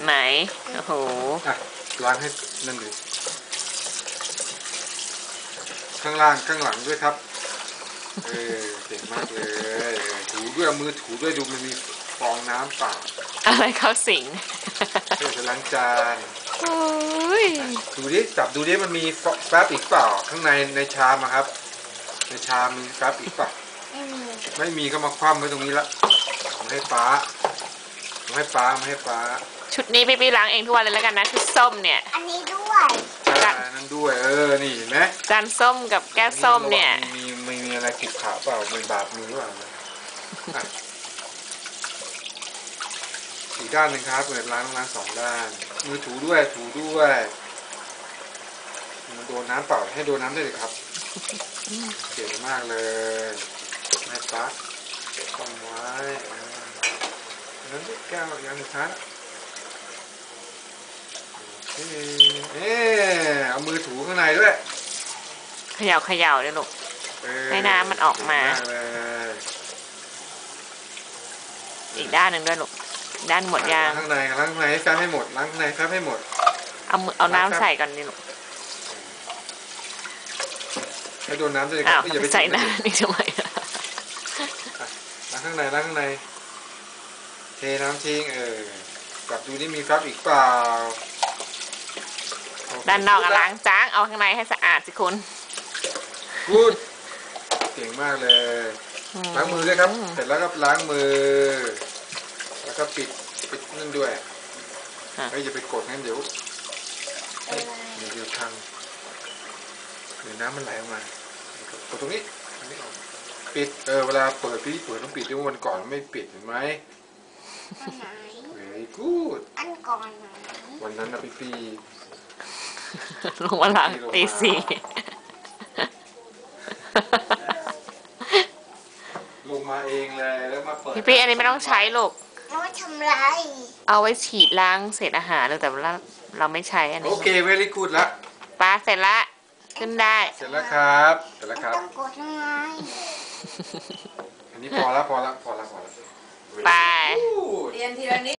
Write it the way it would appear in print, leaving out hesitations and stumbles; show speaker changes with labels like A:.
A: ไหนโอ้โห
B: ล้างให้นั่นเลยข้างล่างข้างหลังด้วยครับเก่งมากเลยถูด้วยมือถูด้วยดูมันมีฟองน้ำเปล่า
A: อะไรเขาสิง
B: จะล้างจานดูดิจับดูดิมันมีแฟบอีกเปล่าข้างในชามครับในชามมีแฟบอีกเปล่าไม่มีก็มาคว่ำไว้ตรงนี้ละมาให้ป้า
A: ชุดนี้พี่ล้างเองทุกวันเลยแล้วกันนะชุดส้มเนี่ย
C: อันนี้ด้วย
B: นั่นด้วยนี่เห็นไหม
A: จานส้มกับแก้วส้มเนี่ย
B: มีอะไรขุ่นขาเปล่าไม่บาดมือหรือเปล่าอีกด้านหนึ่งครับเปิดล้างสองด้านมือถูด้วยมันโดนน้ำเปล่าให้โดนน้ำได้เลยครับเก่งมากเลยแม่ปั๊กต้องไว้นั้นแก้วอย่างสุดท้ายเอามือถูข้างในด้วย
A: เขย่าเลยลูกให้น้ำมันออกมาอีกด้านหนึ่งด้วยลูกด้านหมดยาง
B: ข้างในให้แฟบให้หมดล้างข้างในแฟบให้หมด
A: เอาน้ำใส่ก่อนนี่ลูก
B: ให้โดนน้ำเลย
A: อย่าไปใส่น้ำนี่ทำไม
B: ล้างข้างในเทน้ำทิ้งกลับดูนี่มีแฟบอีกเปล่า
A: ด้านนอกล้างจ้างเอาข้างในให้สะอาดสิคุณ
B: กูดเก่งมากเลยล้างมือด้วยครับเสร็จแล้วก็ล้างมือแล้วก็ปิดนั่นด้วยอย่าไปกดงั้นเดี๋ยวพังเดี๋ยวน้ำมันไหลออกมากดตรงนี้ปิดเวลาเปิดต้องปิดด้วยวันก่อนไม่ปิดเห็นไหมvery good
C: อันก่อน
B: วันนั้นนะพี่
A: ลงมาล้างตีสี่
B: ลงมาเองเลยแล้วมาเปิด
A: พี่อันนี้ไม่ต้องใช้ลูก
C: เอาไว้ทำไร
A: เอาไว้ฉีดล้างเศษอาหารแต่เราไม่ใช้อันนี้
B: โอเค very good ละ
A: ปลาเสร็จละขึ้นได้
B: เสร็จแล้วครับ
C: ต้องกดยังไง
B: อันนี้พอละ
A: ไป
C: เรียนทีละนิด